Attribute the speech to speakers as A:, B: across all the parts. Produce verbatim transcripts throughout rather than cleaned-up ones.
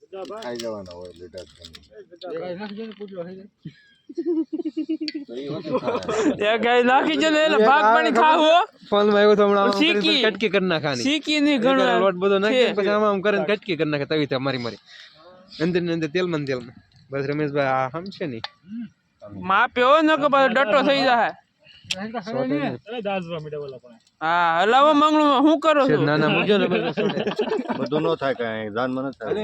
A: ખાઈ જવાના હોય લીટર
B: એ ગાય નાખી જો ને એટલે ભાગ પાણી ખાવો
C: ફોન માં આવ્યો તો હમણાં
B: શીકી
C: કટકી કરી નાખવાની
B: શીકી ની ઘણો
C: લોટ બધો નાખી પછી આમ આમ કરીને કટકી કરી નાખે તવી તે મારી મારી અંદર ને અંદર તેલ માં તેલ માં બસ રમેશભાઈ આ હમ છે ની
B: માપ્યો ન કે ડટો થઈ જાય હા હલાવો મંગળું હું કરો છો
C: ના ના મુજો ને
A: બધું નો થાય કાંઈ જાનમાં ન થાય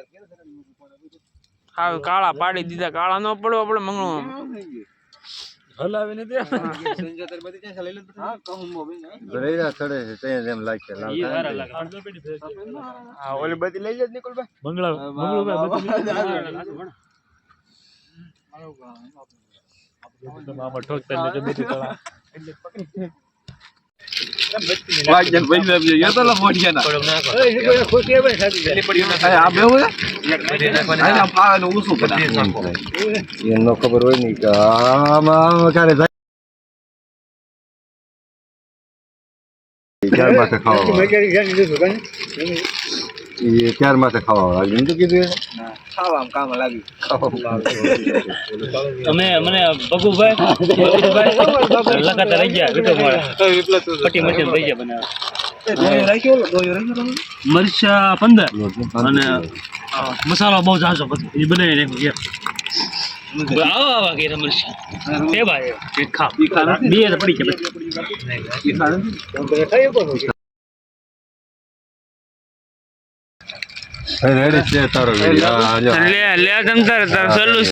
B: હા કાળા પાડી દીધા કાળા નો પડો આપણે મંગળું હલાવીને દે
C: સંજોતર બધી ક્યાં લઈ લે હા કહું મોબી ના
A: રેડા ચડે છે ત્યાં જેમ લાગે
B: ઈ સારા લાગે હા ઓલી બધી લઈ જ નિકોલભાઈ મંગળા મંગળું મામા ઠોકતા ને બધી તળા
C: વાજન ભાઈ આપજો યો તો લો મોઢિયા ના થોડું નાખો એ કોઈ ખોટી આવે સાદી જલ્દી પડી ના આ બેવ આ આ પાનો ઊંચું કરી નાખો
A: એનો ખબર હોય નહીં કે આમાં ક્યારે જાય ક્યાર માટે ખાવા એ ક્યાર માટે ખાવા લાગ્યું તો કીધું
C: ખાવા કામ લાગી
B: તમે મને બગુભાઈ બગુભાઈ લગાતાર રહી ગયા વિટો મારે પટી મટી રહી ગયા બનાવ
C: દોયો રાખ્યો દોયો રાખ્યો
B: મરચા પંદર અને મસાલો બહુ જાજો એ બનાવી નાખ્યો આવો આવા કે મરચા તે ભાઈ એક ખા બે પડી કે ઈ ખાણ
A: રેડી છે તારો લે
B: લે તમ તાર તાર સલ્લુ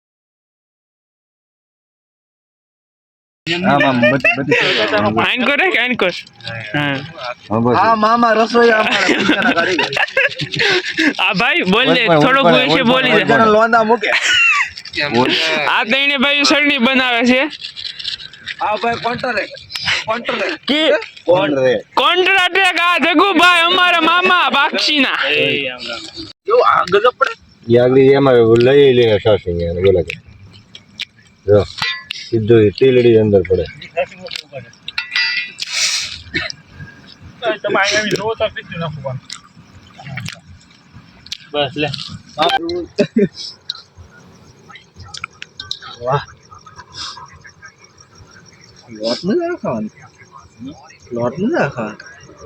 A: આમાં બધી
B: આઈન કરે કે આઈન કર હા
C: આ મામા રસોઈ અમારા પૈસાના કારીગર
B: આ ભાઈ બોલ દે થોડુંક વિશે બોલી દે
C: લોંદા મૂકે
B: આ તઈને ભાઈ સળની બનાવે છે
C: આ ભાઈ કોન્ટ્રાક્ટ કોન્ટ્રાક્ટ
B: કે
A: કોણ રે
B: કોન્ટ્રાક્ટ આ જગુભાઈ અમારા મામા બાક્ષીના
C: જો આ ગજબ પડે
A: યાગલી એમાં લઈ લઈને સાસી ને બોલા કે જો સીધો તેલડી અંદર પડે
B: તમે અહીંયા જો તો પીછું નાખવાનું બસ લે
C: વાહ લોટ ન નાખવાનું લોટ ન નાખવાનું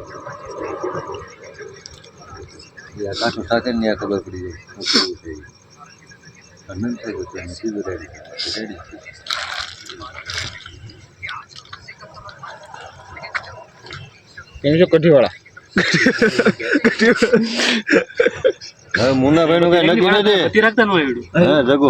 A: યા કાઠું સાથે ને ખબર પડી જાય અનંત થઈ ગયું સીધું રેડી રેડી
C: કેમ છો કઢી વાળા
A: હવે મુન્નાભાઈ નું કઈ નક્કી નથી
B: રાખતા ન હોય
A: હા જગો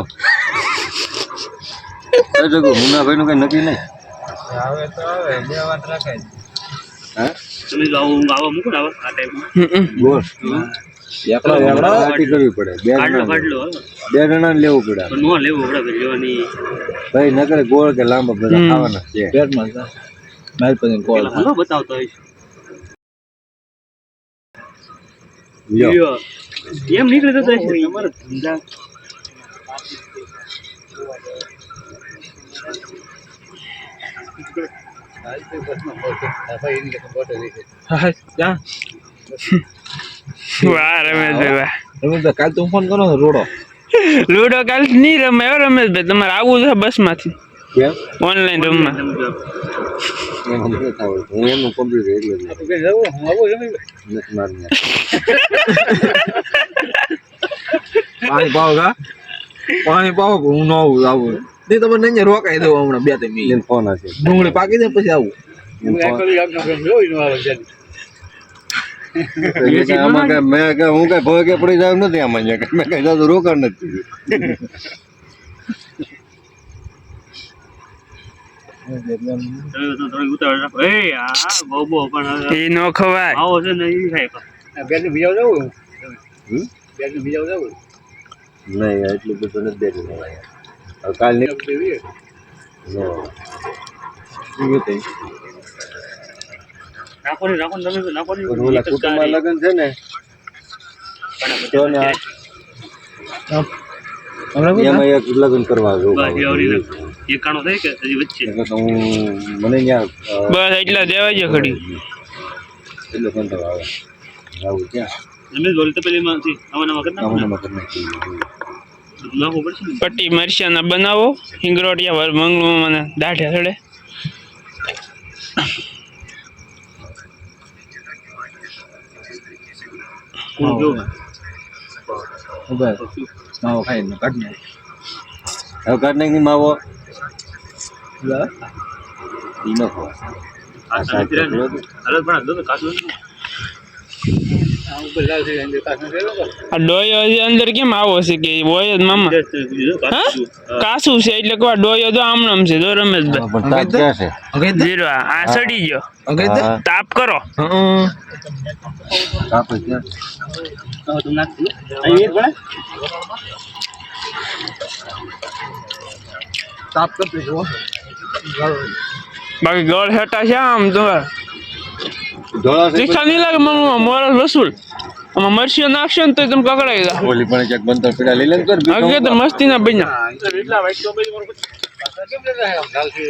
A: એ જગો મુન્નાભાઈ નું કઈ નક્કી નહીં
C: આવે તો આવે બે વાત રાખાય
A: હા
B: તમે જો આવો આવો મૂકો ને આ ટાઈપમાં
A: ગોળ એકલા એકલા પાર્ટી કરવી પડે બે
B: કાઢલો
A: જણા
B: કાઢલો
A: બે જણા ને લેવું પડે
B: નો લેવું આપણે લેવાની
A: ભાઈ નકરે ગોળ કે લાંબા બધા ખાવાના છે
C: પેટમાં માલ પછી કોલ
B: હાલો બતાવતો હોય
A: લ્યો
B: એમ નીકળે તો તમારે ધંધા વાહ રમેશભાઈ વાહ
C: તમે કાલ તું ફોન કરો રોડો
B: લૂડો કાલ નહીં રમે રમેશભાઈ તમારે આવવું છે બસ માંથી
A: કેમ
B: ઓનલાઈન રમવા
A: એમ નથી થતું હું એમનું કમ્પ્યુટર એટલે નથી મારું
C: પાણી પાવ કા પાણી પાવ હું ન આવું આવું નહીં તમે નહીં રોકાઈ દઉં હમણાં બે ત્રણ મિનિટ
A: ફોન હશે
C: ડુંગળી પાકી જાય પછી આવું
A: આમાં કઈ મેં કઈ હું કઈ ભોગે પડી જાવ નથી આમાં મેં કઈ જાતું રોકાણ નથી
B: એ નો ખવાય આવો છે ને એ ખાય
A: નહીં એટલું બધું નથી દેતું હવે કાલ નીકળી ઓલા કુટુંબમાં લગ્ન છે ને તો ને એમાં એક લગ્ન કરવા જવું
B: એકાણું થાય કે હજી વચ્ચે
A: તો હું મને ત્યાં
B: બસ એટલા દેવાય છે ખડી
A: એટલો કંટાળો આવે આવું ક્યાં
B: રમેશ બોલ તો પેલી માંથી આમાં નવા કરી
A: આમાં
B: નાખો
A: નંબર કરી નાખી
B: નાખવું પડશે ને
D: પટ્ટી મરચાના બનાવો હિંગરોટિયા વર મંગળું મને દાઢે થડે
B: હું જોઉં
C: ઉભા માવો ખાઈને કાઢ ને
A: હવે કાઢ નાખી માવો ઈ નાખો
B: આ સાચી રહે ને અરે પણ દો કાચું
D: આ ડોયો હજી અંદર કેમ આવો છે કે હોય જ મામા હા કાસું છે એટલે કહો ડોયો તો આમણમ છે જો રમેશભાઈ
A: પણ તાપ ક્યાં છે
D: જીરો આ સડી ગયો
A: હા,
D: તાપ કરો
A: તાપ જ ક્યાં છે
B: તો તું નાખ અહીં એક બને
C: તાપ કરતો જો
D: બાકી ગળ હેટા છે આમ તમારે
A: ધોળા છે
D: તીખા નહીં લાગે મામા મોરલ વસૂલ આમાં મરચીઓ નાખશો ને તો તમે કકડાઈ જા
A: ઓલી પણ ક્યાંક બંતર પીડા લઈ લે ને કર
D: આગે તો મસ્તી ના બન્યા
B: એટલા વાઈટ તો બધી મારું કેમ લેતા હે ગાલ છે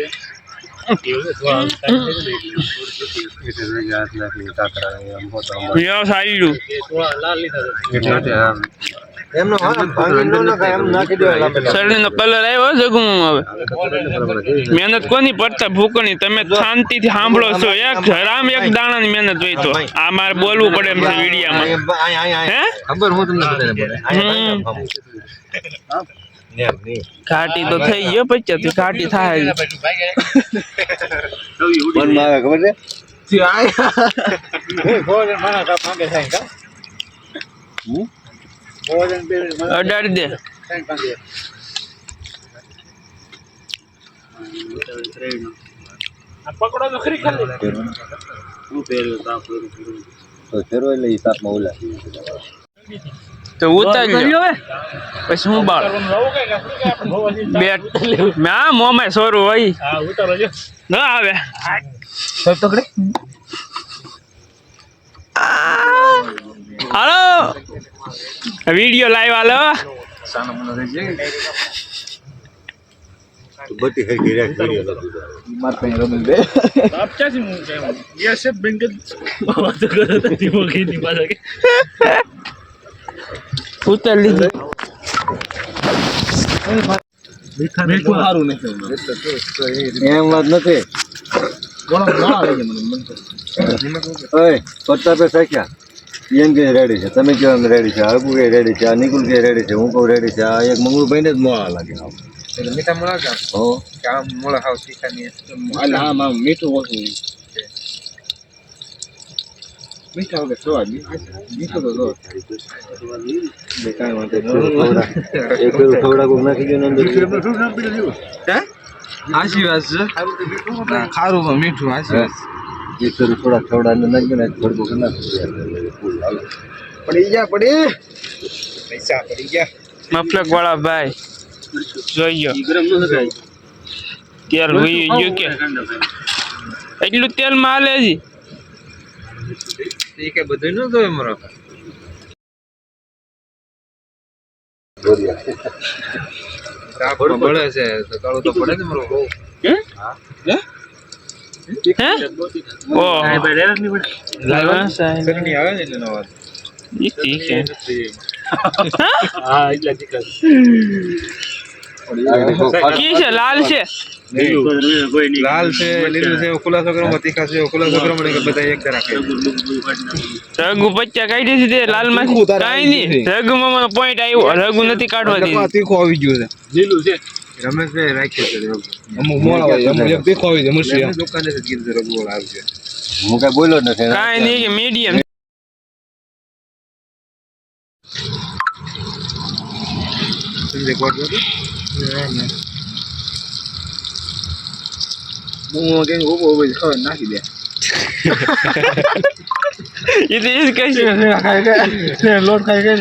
D: યો સાઈડું
B: થોડા લાલ લીધા
A: એમનો ભાંગી ન નખાય એમ નાખી દેવાય લાંબે
D: શરીરનો કલર આવ્યો જગું હવે મહેનત કોની પડતા ભૂકણી તમે શાંતિથી સાંભળો છો એક હરામ એક દાણાની મહેનત હોય તો આ મારે બોલવું પડે એમ છે વિડીયામાં હે
C: ખબર હું તમને બધાને બોલે
D: હમ. ઘાટી તો થઈ ગયો પછી ઘાટી થાય
A: મનમાં આવે ખબર છે
C: થી આય
B: ભોજન મારા કાપ માંગે થાય કા
A: હમ?
B: ભોજન બે
D: અડાડી દે
B: થાય માંગે આ પકડો તો ખરી ખાલી હું પહેર્યું તાપ પહેર્યું
A: તો ફેરવો એટલે ઈ તાપમાં ઓલા
D: તો ઉતારી લ્યો પછી હું બાળ બેટ મેં આ મોમાં સોરું હોય
B: હા ઉતારો જો
D: ન આવે
C: સર તકડે
D: હાલો વિડીયો લાઈવ હાલો
C: સાનો મનો રહી જાય
A: તો બધી હરખી રાખ કરી અલગ
C: માર પાસે રમેશ બે
B: આપ ક્યાંથી હું કેમ યસ એ બેંક વાત કરો તો ધીમો ખીની પાછા કે
D: ઉતાર લીધી
C: મીઠું સારું નથી
A: એમ વાત નથી
C: ઘણો ઘણો લઈ જાય મને મન
A: ઓય પત્તા પે સાખ્યા એમ કે રેડી છે તમે કેમ રેડી છે હરકુ કે રેડી છે આ નિકુલ કે રેડી છે હું કહું રેડી છે આ એક મંગળુભાઈ ને જ મોળા લાગે
C: એટલે મીઠા મળા કા
A: હો
C: કામ મોળા હાવ શીખાની એટલે હા માં મીઠું ઓછું મીઠા વગર સ્વાદ મીઠું તો જો કાંઈ વાંધો
A: એક પેલું થોડા કોક નાખી ગયો ને અંદર
C: હે આશી વાત છે ખારું પણ મીઠું આશી વાત
A: એક પેલું થોડા થોડા અંદર નાખી ગયો ને થોડું કોક નાખી
C: પડી ગયા પડી પૈસા પડી ગયા
D: મફલક વાળા ભાઈ જોઈ ગયો
B: ગરમ ન થાય
D: તેલ હોય ગયું કે એટલું તેલ માં હાલે જી
C: એ કે બધું ન જોવે મારો તાપમાં બળે છે તો કાળું તો પડે ને મારો બહુ
D: હે ઓ
B: ભાઈ રેરસ ની પડે
C: શરણી આવે ને એટલે નો વાત
D: ઈ ઠીક છે
B: હા એટલા તીખા
D: કી છે લાલ છે
B: કોઈ નહીં
C: લાલ છે લીલું છે ખુલાસો કરવામાં તીખા છે ખુલાસો કરવામાં કે બધા એક તરફ
D: રઘુ પચ્ચા કાઢી દીધી તે લાલ માંથી કાઈ નહીં રઘુ મામા પોઈન્ટ આવ્યો રઘુ નથી કાઢવા દીધી
C: તીખું આવી ગયું છે
B: લીલું છે
C: રમેશભાઈ રાખ્યો છે અમુક મોળા હોય અમુક એક તીખો આવી જાય મુશ્કેલ દુકાને જ કીધું રઘુવાળ આવશે
A: હું કઈ બોલ્યો જ નથી
D: કાઈ નહીં કે મીડિયમ
C: સમજે કોટ હતું હું કે ઉભો ઉભો ખબર નાખી દે
D: એ તો એ જ કહે છે
C: લોટ ખાઈ ગઈ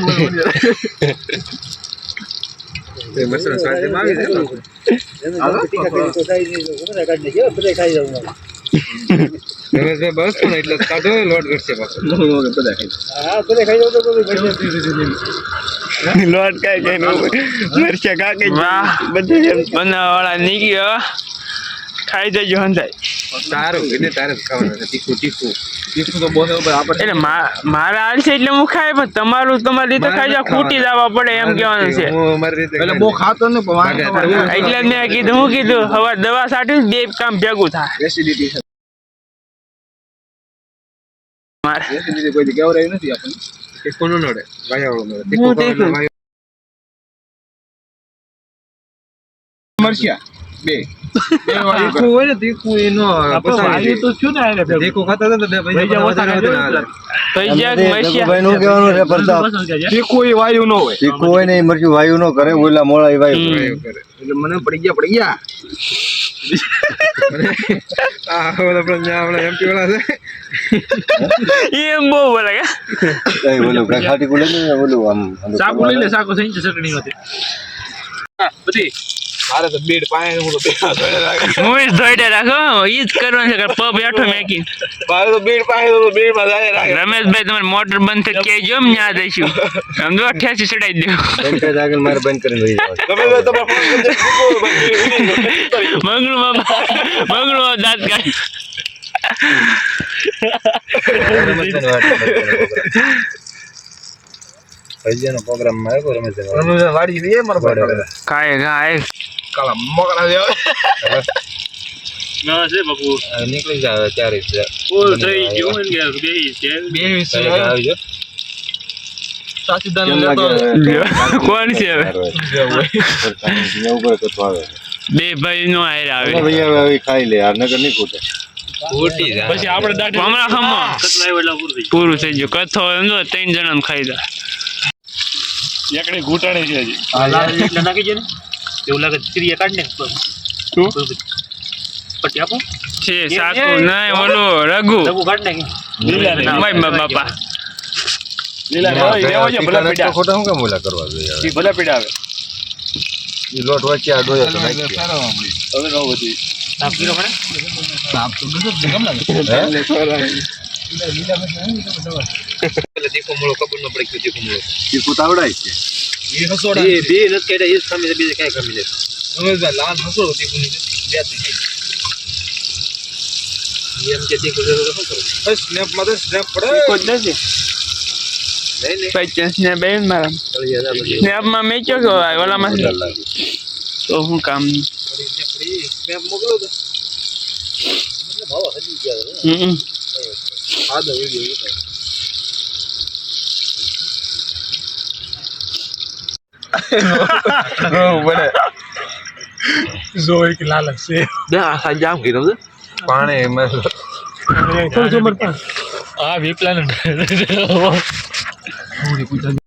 C: મસાલા સ્વાદ આવી જાય રમેશભાઈ બસ પણ એટલે કાઢો લોટ ઘટશે પાછો બધા ખાઈ
B: હા બધા ખાઈ જાવ તો
D: લોટ કાઈ કઈ મરચા કાકે બધે બનાવવા વાળા નીકળ્યો ખાઈ જજો હંધાય
C: તારું એટલે તારે જ ખાવાનું તીખું તીખું તીખું તો બહુ આપણે
D: એટલે મા- મારા હાલ છે એટલે હું ખાય પણ તમારું તમારી રીતે ખાઈ જાવ ખૂટી જવા પડે એમ કહેવાનું છે
C: એટલે બહુ ખાતો ને પણ વાંધો નહીં.
D: એટલે જ મેં કીધું હું કીધું હવે દવા સાટી બે કામ ભેગું થાય
C: એસિડિટી છે.
D: મારે
C: એસિડિટી કોઈ જગ્યાએ રહી નથી આપણને. તીખું ન નડે વાયાવાળું નડે.
D: હું
C: તીખું
D: તીખું.
C: ખાવાનું મરચિયા બે બે વાળી
A: તીખું હોય ને તીખું એ નો
B: વાયુ તો થયું ને એને ભેગું.
A: તીખું ખાતા હતા ને તો બે
B: બીજા
A: પૈસા
B: ઓછા
A: વધારે
B: ખાધા
A: વધારે
B: હોય
D: તો જ્યાંક મસ્યા
A: ભાઈ નું કહેવાનું છે પ્રતાપ
B: પસંદ કરજે.
C: તીખું એ વાયુ ન હોય.
A: તીખું હોય ને એ મરચું વાયુ નો કરે ઓલા મોળા એ વાયુ કરે.
D: હમ.
C: એટલે મને પડી ગયા પડી ગયા આ ઓલા આપણે ન્યા આપણે એમપી વાળા છે
D: એમ બહુ બોલે કે
A: કઈ ઓલું કઈ ખાટી કુલે ને ઓલું આમ આમ
B: સાકુ લઈ લે સાકુ થઈ જશે ચટણી નથી બધી
C: મારે તો બેડ પાય હું તો બે હાથ ધોઈને રાખે.
D: હું જ ધોઈડે રાખો ઈ જ કરવાનું છે કે પગ બેઠો મેકી
C: મારે તો બેડ પાય તો બેડ માં જાય રાખે.
D: રમેશભાઈ તમારી મોટર બંધ થઈ ક્યાંય જો ન્યા દઈશું સમજો અઠ્યાસી ચડાવી દો
A: બંધ કરી આગળ મારે બંધ કરીને વહી જવાનું.
C: તમે તો તમારા ફોન કરી દે.
D: મંગળું બાબા મંગળું બાબા દાંત કાઢ
A: ભજીયાનો પ્રોગ્રામ માં આવ્યો રમેશભાઈ.
C: રમઝાન વાડી લઈએ મારા ભાઈ
D: કાય કાય
C: કાલા મોકરા દે
B: ના છે બાપુ
A: આ નીકળી જાય ચારે જ.
B: ફૂલ થઈ ગયું ને કે બે છે
C: બે વીસ
A: આવી જાઓ.
C: સાચી દાન
A: કેમ
C: લેતો
A: લાગે?
D: કોણ છે હવે
A: અહીંયા ઉપર કથો આવે.
D: બે ભાઈ નો આયર આવે
A: હવે ભાઈ હવે હવે ખાઈ લે યાર નકર નહીં ખૂટે.
B: પછી આપણે દાઢી
D: હમણાં ખમો
B: કતલા આવ્યો એટલે પૂરું થઈ
D: પૂરું થઈ ગયું કથો સમજો ત્રણ જણા ખાઈ દા
B: ગયું એકડી ઘૂંટાણી છે હજી એટલે નાખી દે ને એવું લાગે ત્રીએ કાઢ ને
D: શું
B: પટ્ટી આપો
D: છે સાકુ નહીં ઓલો રઘુ
B: લઘુ કાઢ નાખી લીલા
D: ભાઈ બાપા
B: લીલા લેવો છે ભલા પીડા
A: ખોટા શું કામ ઓલા કરવા જોઈએ હવે?
B: ઈ ભલા પીડા આવે
A: ઈ લોટ વચ્ચે આ ડોયો તો નાખી દે.
B: હવે નો બધી સાફ કર્યો મને સાફ તો નતો કેમ લાગે
A: હે?
C: તીખો મૂળો ખબર ન પડી તીખો મૂળો
A: તીખું તો આવડાય છે.
C: એ હસોડા
B: એ બે નથી કેડા એ સામે બીજે કઈ કમી નથી
C: રમેશભાઈ લાલ હસોડો તીખું ની બે જ ખાઈ
B: એમ કે તીખું જરૂર શું કરું
C: બસ સ્નેપ માં તો સ્નેપ પડે
D: કોઈ જ નથી
C: નહીં નહીં
D: પચાસ ને બે મારા સ્નેપ માં મેચ્યો કે ઓલામાં
A: ઓલા લાગે.
D: તો શું કામ
C: સ્નેપ મોકલો તો
B: ભાવ હજી ગયા
D: હમ
C: આદો વિડિયો બને
B: જોઈ કે લાલચ છે
C: આ જામ કીધું છે
A: પાણી એમાં
B: આ વિપલાન